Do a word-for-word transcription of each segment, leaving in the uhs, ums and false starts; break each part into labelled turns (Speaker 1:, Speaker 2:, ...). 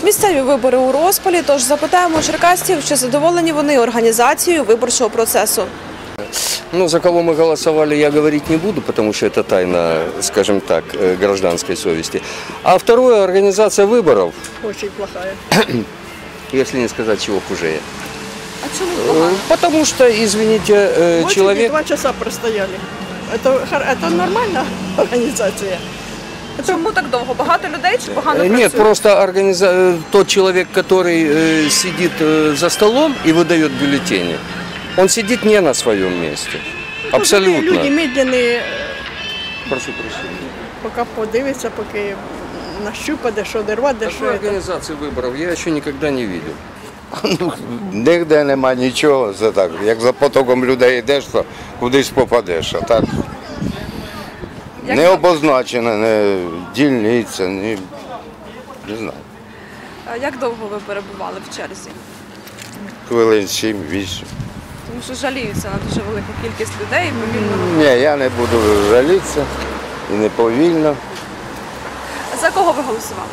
Speaker 1: Місцеві вибори у розпалі, тож запитаємо черкасців, чи задоволені вони організацією виборчого процесу.
Speaker 2: Ну, за кого мы голосовали, я говорить не буду, потому что это тайна, скажем так, гражданской совести. А второе, организация выборов.
Speaker 3: Очень плохая.
Speaker 2: Если не сказать, чего хуже.
Speaker 1: А чому?
Speaker 2: Потому что, извините,
Speaker 3: В
Speaker 2: человек...
Speaker 3: два часа простояли. Это, это нормальная организация?
Speaker 1: Чому так довго? Багато людей чи погано працює?
Speaker 2: Нет, просто организа... тот человек, который сидит за столом и выдает бюллетени, он сидит не на своем месте. Абсолютно.
Speaker 3: Люди медленные.
Speaker 2: Прошу прощения.
Speaker 3: Поки подивиться, поки нащупає, що дервати, що...
Speaker 2: Такой организации выборов я еще никогда не видел.
Speaker 4: Ну, нігде нема нічого, це так. Як за потоком людей йдеш, то кудись попадеш. А так
Speaker 1: Як
Speaker 4: не обозначено, не дільниця, ні, не знаю.
Speaker 1: А як довго ви перебували в черзі?
Speaker 4: Хвилин сім-вісім.
Speaker 1: Тому що жаліються на дуже велику кількість людей і повільно.
Speaker 4: Ні, я не буду жалітися і не повільно.
Speaker 1: За кого ви голосували?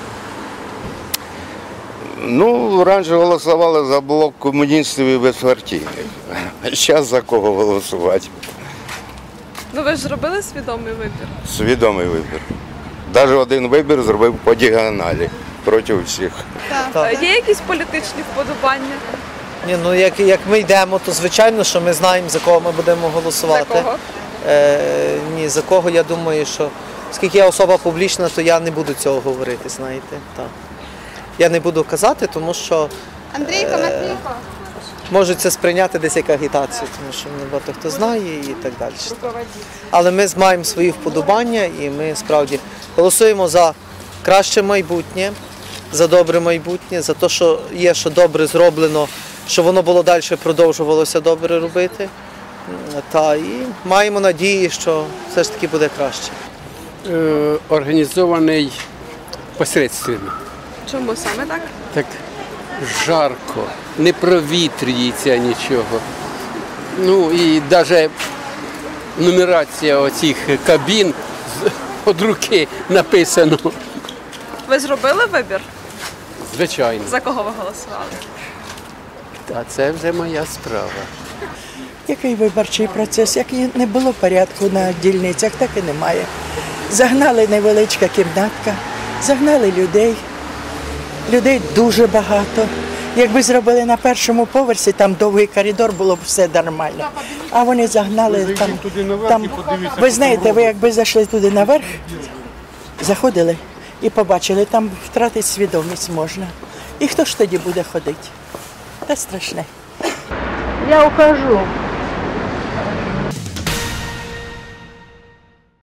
Speaker 4: Ну, раніше голосували за блок комуністів і безпартійних. А зараз за кого голосувати?
Speaker 1: Ну ви ж зробили свідомий вибір?
Speaker 4: Свідомий вибір. Навіть один вибір зробив по діагоналі проти всіх.
Speaker 1: Так. Є якісь політичні вподобання?
Speaker 5: Ні, ну як, як ми йдемо, то звичайно, що ми знаємо, за кого ми будемо голосувати.
Speaker 1: За кого?
Speaker 5: Е, ні, за кого, я думаю, що оскільки я особа публічна, то я не буду цього говорити, знаєте. Так. Я не буду казати, тому що
Speaker 6: Андрійко, Матвійко.
Speaker 5: можуть це сприйняти десь як агітацію, тому що не багато хто знає і так далі. Але ми маємо свої вподобання і ми справді голосуємо за краще майбутнє, за добре майбутнє, за те, що є, що добре зроблено, що воно було далі продовжувалося добре робити. Та і маємо надії, що все ж таки буде краще.
Speaker 7: Е, організований посередственно.
Speaker 1: Чому саме так?
Speaker 7: Так жарко, не провітрюється нічого. Ну і навіть нумерація оцих кабін від руки написано.
Speaker 1: Ви зробили вибір?
Speaker 7: Звичайно.
Speaker 1: За кого ви голосували?
Speaker 7: А це вже моя справа.
Speaker 8: Який виборчий процес? Як і не було порядку на дільницях, так і немає. Загнали невеличка кімнатка, загнали людей. Людей дуже багато. Якби зробили на першому поверсі, там довгий коридор, було б все нормально. А вони загнали там. там. Ви знаєте, ви якби зайшли туди наверх, заходили і побачили, там втратити свідомість можна. І хто ж тоді буде ходити? Та страшне.
Speaker 9: Я ухожу.